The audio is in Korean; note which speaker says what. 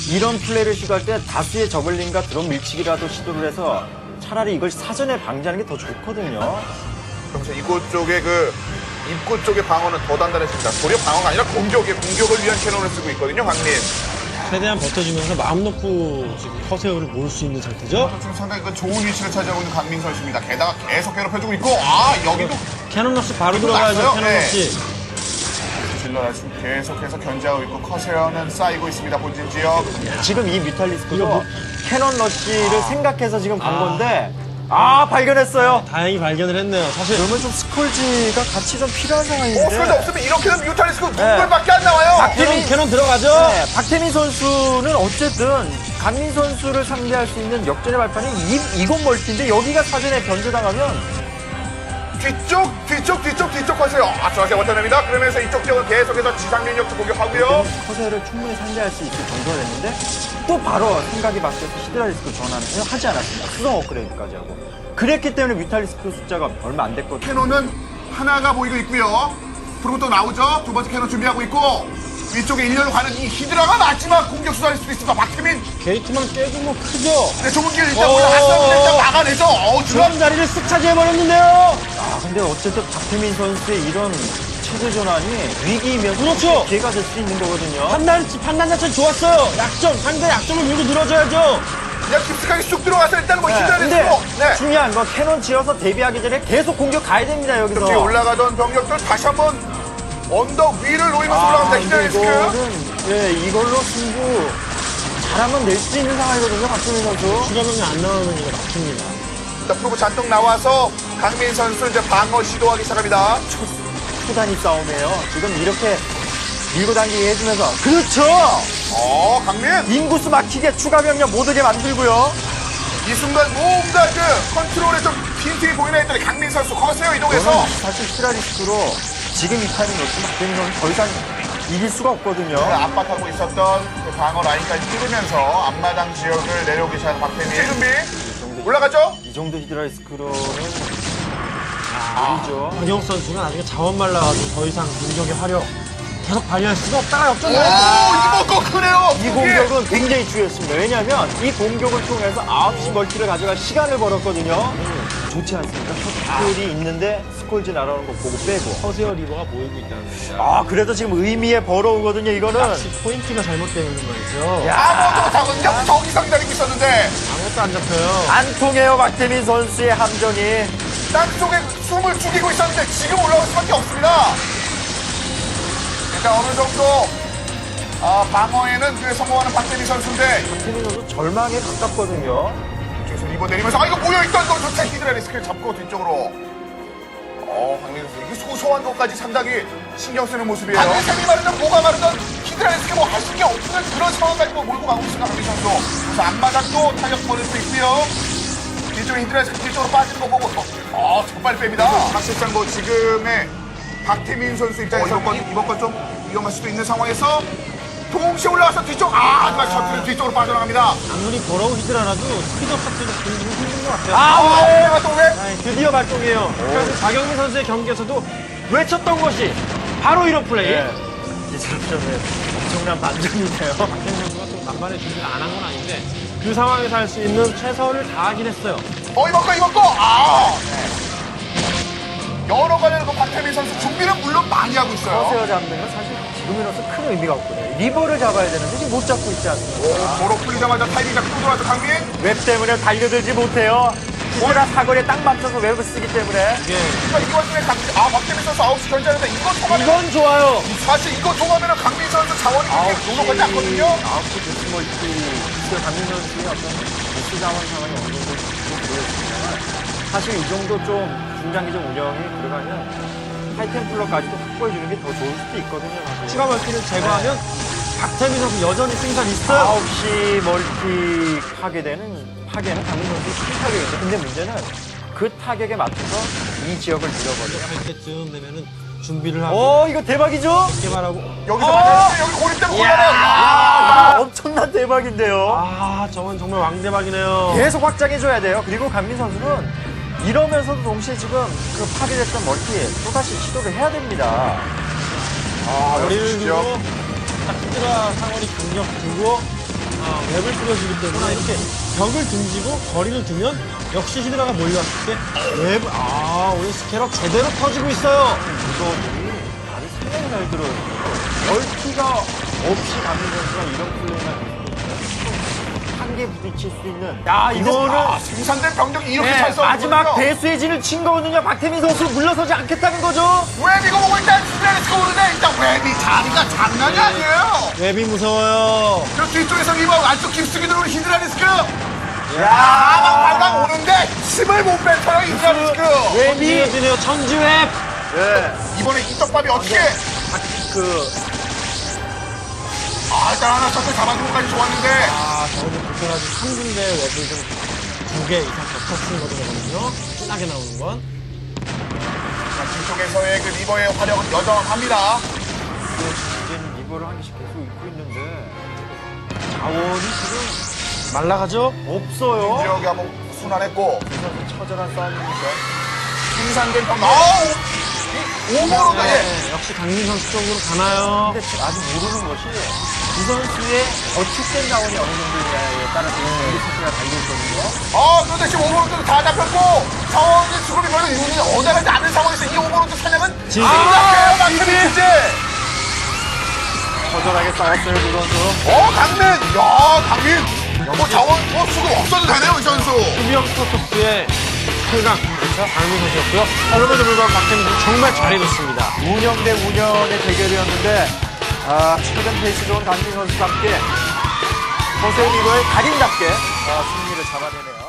Speaker 1: 이런 플레이를 시도할 때 다수의 저글링과 드론 밀치기라도 시도를 해서 차라리 이걸 사전에 방지하는 게 더 좋거든요.
Speaker 2: 그러면서 이곳 쪽에 입구 쪽의 방어는 더 단단해집니다. 도리어 방어가 아니라 공격을 위한 캐논을 쓰고 있거든요, 강민.
Speaker 3: 최대한 버텨주면서 마음 놓고 지금 커세어를 모을 수 있는 상태죠.
Speaker 2: 지금 상당히 좋은 위치를 차지하고 있는 강민 선수입니다. 게다가 계속 괴롭혀주고 있고, 여기도
Speaker 3: 캐논 러시 바로 들어가야죠.
Speaker 2: 났어요?
Speaker 3: 캐논
Speaker 2: 네.
Speaker 3: 러시.
Speaker 2: 질러라 지금 계속해서 견제하고 있고 커세어는 쌓이고 있습니다. 본진 지역.
Speaker 1: 지금 이 뮤탈리스크도
Speaker 3: 이거
Speaker 1: 캐논 러쉬를 생각해서 지금 간 건데 발견했어요.
Speaker 3: 다행히 발견을 했네요. 사실
Speaker 1: 그러면 좀 스콜지가 같이 좀 필요한 상황인데.
Speaker 2: 스컬지 없으면 이렇게 되면 뮤탈리스크 눈물밖에 안 나와요.
Speaker 3: 캐논 들어가죠.
Speaker 1: 네, 박태민 선수는 어쨌든 강민 선수를 상대할 수 있는 역전의 발판이 이곳 멀티인데 여기가 사전에 견제당하면
Speaker 2: 뒤쪽 커세어. 정확히 버텨냅니다. 그러면서 이쪽 지역은 계속해서 지상 면역도 공격하고요.
Speaker 1: 커세어를 충분히 상대할 수 있을 정도가 됐는데 또 바로 생각이 바뀌어서 히드라리스크 전환을 하지 않았습니다. 수성 업그레이드까지 하고. 그랬기 때문에 뮤탈리스크 숫자가 얼마 안 됐거든요.
Speaker 2: 캐논은 하나가 보이고 있고요. 그리고 또 나오죠. 두 번째 캐논 준비하고 있고 위쪽에 일렬로 가는 이 히드라가 마지막 공격 수단일 수도 있습니다. 박태민.
Speaker 3: 게이트만 깨도 뭐 크죠.
Speaker 2: 네, 좁은 길 일단 올라갔었는데 일단 막아내죠.
Speaker 3: 중앙 자리를 쓱 차지해버렸는데요.
Speaker 1: 근데 어쨌든 박태민 선수의 이런 체제 전환이 위기이면
Speaker 3: 그렇죠.
Speaker 1: 기회가 될 수 있는 거거든요.
Speaker 3: 판단 자체는 좋았어요. 상대 약점을 밀고 늘어져야죠.
Speaker 2: 그냥 깊숙하게 쑥 들어가서 일단 뭐
Speaker 1: 근데
Speaker 2: 히드라리스크로. 네.
Speaker 1: 중요한 건 캐논 지어서 대비하기 전에 계속 공격 가야 됩니다. 여기서.
Speaker 2: 뒤에 올라가던 병력들 다시 한번 언덕 위를 노리면서 올라갑니다. 히드라리스크.
Speaker 1: 이걸로 승부 잘하면 낼 수 있는 상황이거든요. 박태민 선수.
Speaker 3: 추가명이 안 나오면 이거 막힙니다.
Speaker 2: 자, 프로브 잔뜩 나와서 강민 선수 이제 방어 시도하기 시작합니다.
Speaker 1: 초단위 싸움이에요. 지금 이렇게 밀고 당기게 해주면서. 그렇죠!
Speaker 2: 강민.
Speaker 1: 인구수 막히게 추가 병력 못 오게 만들고요.
Speaker 2: 이 순간 뭔가 컨트롤에 좀 빈틈이 보이나 했더니 강민 선수 커세어 이동해서
Speaker 1: 저는 사실 히드라리스크로 지금 이 타이밍 없으면 박태민 선수 더 이상 이길 수가 없거든요.
Speaker 2: 압박하고 있었던 그 방어 라인까지 뚫으면서 앞마당 지역을 내려오기 시작한 박태민. 준비. 올라갔죠?
Speaker 1: 이 정도 히드라리스크로는 느리죠.
Speaker 3: 박영 선수가 나중에 자원 말라가지고 더 이상 공격의 화력 계속 발휘할 수가 없다가 역전을 했죠.
Speaker 2: 이거 거 크네요.
Speaker 1: 이 공격은 굉장히 중요했습니다. 왜냐하면 이 공격을 통해서 9시 멀티를 가져갈 시간을 벌었거든요. 좋지 않습니까? 셔틀이 있는데 스콜지 날아오는 거 보고 빼고.
Speaker 3: 커세어 리버가 모이고 있다는 겁니다.
Speaker 1: 그래도 지금 의미에 벌어오거든요, 이거는.
Speaker 3: 역시 포인트가 잘못되어 있는 말이죠.
Speaker 2: 저기 상당히 있었는데
Speaker 3: 아무것도 안 잡혀요.
Speaker 1: 안 통해요, 박태민 선수의 함정이.
Speaker 2: 땅속에 숨을 죽이고 있었는데 지금 올라올 수밖에 없습니다. 일단 어느 정도 방어에는 성공하는 박태민 선수인데
Speaker 1: 박태민 선수 절망에 가깝거든요.
Speaker 2: 뒤에서 리버 내리면서 이거 모여있던 거 조차 히드라리스크를 잡고 뒤쪽으로 박민 선수 이게 소소한 것까지 상당히 신경 쓰는 모습이에요. 샘이 마르든 뭐가 마르든 히드라리스크 뭐 할 수 있는 없는 그런 상황까지 몰고 가고 있습니다. 박민 선수. 그래서 앞마당도 타격 벌일 수 있고요. 뒤쪽에 히드라리스크 뒤쪽으로 빠지는 거 보고 정말 뺍니다. 사실상 뭐 지금의 박태민 선수 입장에서 이번 건 좀 위험할 수도 있는 상황에서 동시에 올라와서 뒤쪽 하지만 셔틀은 뒤쪽으로 빠져나갑니다.
Speaker 3: 아무리 걸어오 히드라라도 스피드업 자체가 굉장히 힘든 것 같아요.
Speaker 2: 또 왜?
Speaker 3: 드디어 발동이에요. 그래서 박영민 선수의 경기에서도 외쳤던 것이 바로 이런 플레이.
Speaker 1: 이제부터는 엄청난 반전이네요.
Speaker 3: 박영민 선수가 좀 만반의 준비를 안 한 건 아닌데 그 상황에서 할 수 있는 최선을 다하긴 했어요.
Speaker 2: 이번 거. 여러 가지로 박태민 선수 준비는 물론 많이 하고 있어요.
Speaker 1: 커세어 잡는 건 사실 지금이로서 큰 의미가 없거든요. 리버를 잡아야 되는데 지금 못 잡고 있지 않습니까?
Speaker 2: 도로 풀리자마자 타이밍 잡고 들어와서 강민.
Speaker 1: 웹 때문에 달려들지 못해요. 히드라 사거리에 딱 맞춰서 웹을 쓰기 때문에.
Speaker 2: 이 와중에 박태민 선수 9시 견제하는데 이거 통하면
Speaker 3: 이건 좋아요.
Speaker 2: 사실 이거 통하면 강민 선수 자원이 그렇게 녹록하지 않거든요.
Speaker 1: 9시 데스 멀티 강민 선수의 어떤 데스 자원 상황이 어느 정도 보였습니다. 사실 이 정도 좀 중장기적 운영이 들어가면 하이템플러까지도 확보해주는 게 더 좋을 수도 있거든요. 사실.
Speaker 3: 추가 멀티를 제거하면 박태민 선수 여전히 승산 있어요.
Speaker 1: 9시 멀티 파괴는 강민 선수의 큰 타격이죠. 근데 문제는 그 타격에 맞춰서 이 지역을 밀어버려요.
Speaker 3: 할 때쯤 되면은 준비를 하고
Speaker 1: 이거 대박이죠?
Speaker 3: 개발하고
Speaker 2: 여기서 맞았는데 여기 고립 때문에 곤란해요.
Speaker 1: 엄청난 대박인데요.
Speaker 3: 저건 정말 왕대박이네요.
Speaker 1: 계속 확장해줘야 돼요. 그리고 강민 선수는 이러면서도 동시에 지금 그 파괴됐던 멀티 또다시 시도를 해야 됩니다.
Speaker 3: 머리를 두고 딱 히드라 상원이 강력 두고 웹을 뿌려주기 때문에 이렇게 벽을 등지고 거리를 두면 역시 히드라가 몰려왔을 때 웹, 오늘 스캐럽 제대로 터지고 있어요.
Speaker 1: 이거들이 발이 상당히 잘 들어요. 멀티가 없이 강민 선수가 이런 플레이만 한개 부딪힐 수 있는. 야, 이거는
Speaker 2: 생산된 병력이 이렇게
Speaker 1: 네,
Speaker 2: 잘 싸우는
Speaker 1: 마지막 배수의 진을 친 거거든요. 박태민 선수 물러서지 않겠다는 거죠.
Speaker 2: 웹 이거 보고 일단 히드라리스크 오는데 일단 웹이 자리가 장난이 아니에요.
Speaker 3: 웹이 무서워요.
Speaker 2: 저 뒤쪽에서 리버 안쪽 깊숙이 들어오는 히드라리스크. 야, 방방 오는데 힘을 못 뱉어요 히드라리스크.
Speaker 1: 웹이
Speaker 3: 이어지네요. 천지웹.
Speaker 2: 이번에 이떡밥이 어떻게? 일단 하나 셔틀 잡아준 것까지 좋았는데.
Speaker 3: 저는 불편하지 3군데 웹을 좀 2개 이상 겹쳐 쓰는 거거든요. 진하게 나오는 건.
Speaker 2: 자, 뒤쪽에서의 그 리버의 화력은 여전합니다.
Speaker 1: 이제는 리버를 한 개씩 계속 입고 있는데 자원이 지금
Speaker 3: 말라가죠?
Speaker 1: 없어요.
Speaker 2: 지역이 한번 순환했고.
Speaker 1: 처절한 싸움입니다.
Speaker 2: 생산된 병력. 오버로드.
Speaker 3: 네, 역시 강민 선수 쪽으로 가나요?
Speaker 1: 근데 아직 모르는 것이 이 선수의 저축된 자원이 어느 정도냐에 따라서 이 선수가 달려있거든요.
Speaker 2: 그런데 지금 오버로드도 다 잡혔고 상황의 수급이 별로 이루어지지 어제하지 않은 상황에서 이 오버로드 사냥은 시작해요. 박태민 이제.
Speaker 1: 처절하게 싸웠어요, 두 선수.
Speaker 2: 강민. 야, 강민. 자원 수급 없어도 되네요, 이 선수.
Speaker 3: 수비형 스포츠의 최강 강민 선수였고요. 그럼에도 불구하고 박태민 선수 정말 잘해줬습니다.
Speaker 1: 운영 대 운영의 대결이었는데 최근 페이스 좋은 강민 선수답게 허세 리버의 달인답게 승리를 잡아내네요.